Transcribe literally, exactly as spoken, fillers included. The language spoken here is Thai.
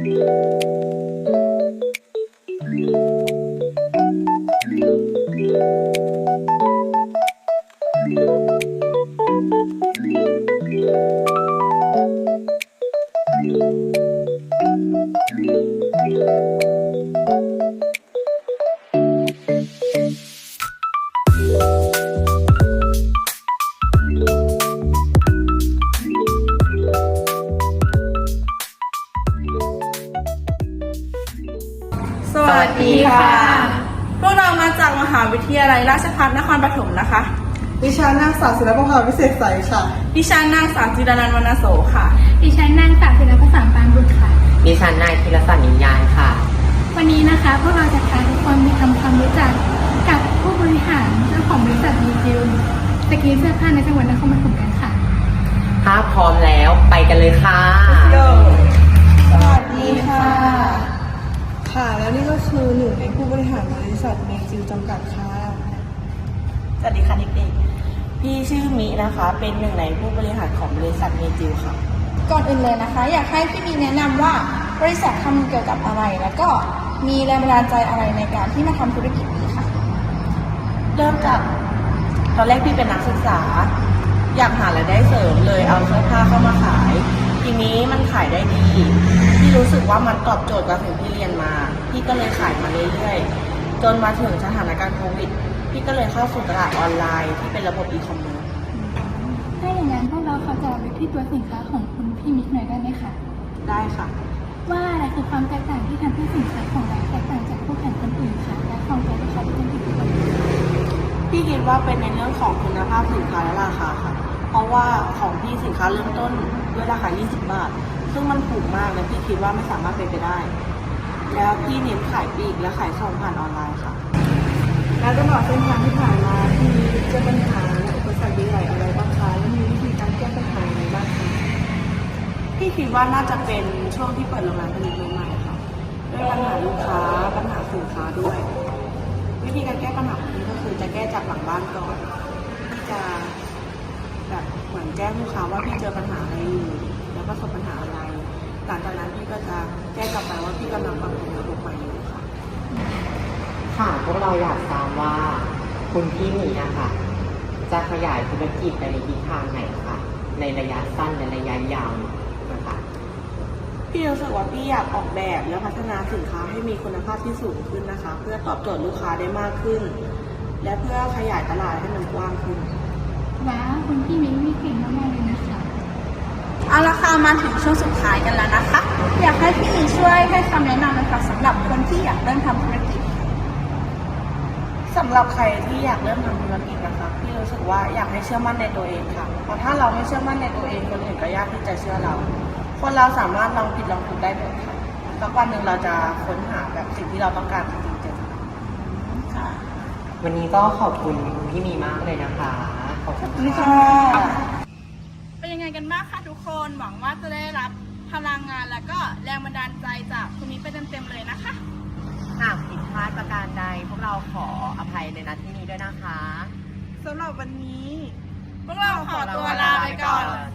สวัสดีค่ะพวกเรามาจากมหาวิทยาลัยราชภัฏนครปฐมนะคะดิฉันนางสาวศิลปภาวิเศษใสค่ะดิฉันนางสาวจิรนันท์วรรณโสค่ะดิฉันนางสาวศิลปศรปานบุตรค่ะดิฉันนายธีรศักดิ์นิยายค่ะวันนี้นะคะพวกเราจะพาทุกคนไปทำความรู้จักกับผู้บริหารเจ้าของบริษัทดีจิวสกรีนเสื้อผ้าในจังหวัดนครปฐมกันค่ะถ้าพร้อมแล้วไปกันเลยค่ะสวัสดีค่ะค่ะแล้วนี่ก็คือหนึ่งในผู้บริหารบริษัทเมจิวจำกัดค่ะสวัสดีค่ะเด็กๆพี่ชื่อมินะคะเป็นหนึ่งในผู้บริหารของบริษัทเมจิวค่ะก่อนอื่นเลยนะคะอยากให้พี่มีแนะนำว่าบริษัททำเกี่ยวกับอะไรแล้วก็มีแรงบันดาลใจอะไรในการที่มาทำธุรกิจนี้ค่ะเริ่มจากตอนแรกพี่เป็นนักศึกษาอยากหารายได้เสริมเลยเอาเสื้อผ้าเข้ามาขายทีนี้มันขายได้ดีพี่รู้สึกว่ามันตอบโจทย์กับสิ่งที่เรียนมาพี่ก็เลยขายมาเรื่อยๆจนมาถึงสถานการณ์โควิดพี่ก็เลยเข้าสู่ตลาดออนไลน์ที่เป็นระบบอีคอมเมิร์ซถ้าอย่างนั้นพวกเราขอจะไปที่ตัวสินค้าของคุณพี่มิกหน่อยได้ไหมคะได้ค่ะว่าอะไรคือความแตกต่างที่ทำให้สินค้าของเราแตกต่างจากคู่แข่งคนอื่นค่ะและของตัวลูกค้าที่เป็นที่ถูกต้องพี่คิดว่าเป็นในเรื่องของคุณภาพสินค้าและราคาค่ะเพราะว่าของพี่สินค้าเริ่มต้นด้วยราคายี่สิบบาทซึ่งมันถูกมากและพี่คิดว่าไม่สามารถเป็นไปได้แล้วพี่เน้นขายปลีกและขายส่งผ่านออนไลน์ค่ะแล้วตลอดเส้นทางที่ผ่านมาที่เจอปัญหาและอุปสรรคใหญ่อะไรบ้างคะและมีวิธีการแก้ปัญหาอะไรบ้างคะพี่คิดว่าน่าจะเป็นช่วงที่เปิดโรงงานผลิตใหม่ๆค่ะด้วยปัญหาลูกค้าปัญหาสินค้าด้วยวิธีการแก้ปัญหาของพี่ก็คือจะแก้จากหลังบ้านก่อนที่จะแบบเหมือนแจ้งลูกค้าว่าพี่เจอปัญหาอะไรอยู่แล้วประสบปัญหาอะไรหลังจากนั้นพี่ก็จะแจ้งกลับไปว่าพี่กำลังปรับปรุงระบบใหม่อยู่ค่ะค่ะพวกเราอยากทราบว่าคุณพี่มีนะคะจะขยายธุรกิจไปในทิศทางไหนคะในระยะสั้นและระยะยาวนะคะพี่รู้สึกว่าพี่อยากออกแบบและพัฒนาสินค้าให้มีคุณภาพที่สูงขึ้นนะคะเพื่อตอบโจทย์ลูกค้าได้มากขึ้นและเพื่อขยายตลาดให้มันกว้างขึ้นว้าวคุณพี่มิกมีเก่งมากๆเลยนะคะเอาละค่ะมาถึงช่วงสุดท้ายกันแล้วนะคะอยากให้พี่มีช่วยให้คำแนะนำนะคะสำหรับคนที่อยากเริ่มทำธุรกิจสำหรับใครที่อยากเริ่มทำธุรกิจนะคะพี่รู้สึกว่าอยากให้เชื่อมั่นในตัวเองค่ะเพราะถ้าเราไม่เชื่อมั่นในตัวเองคนอื่นก็ยากที่จะเชื่อเราคนเราสามารถลองผิดลองถูกได้หมดค่ะสักวันหนึ่งเราจะค้นหาแบบสิ่งที่เราต้องการจริงๆเจอค่ะวันนี้ก็ขอบคุณพี่มีมากเลยนะคะขอบคุณค่ะเป็นยังไงกันบ้างคะทุกคนหวังว่าจะได้รับพลังงานและก็แรงบันดาลใจจากคุณมิกไปเต็มๆเลยนะคะหากผิดพลาดประการใดพวกเราขออภัยในนัดที่นี้ด้วยนะคะสำหรับวันนี้พวกเราขอตัวลาไปก่อน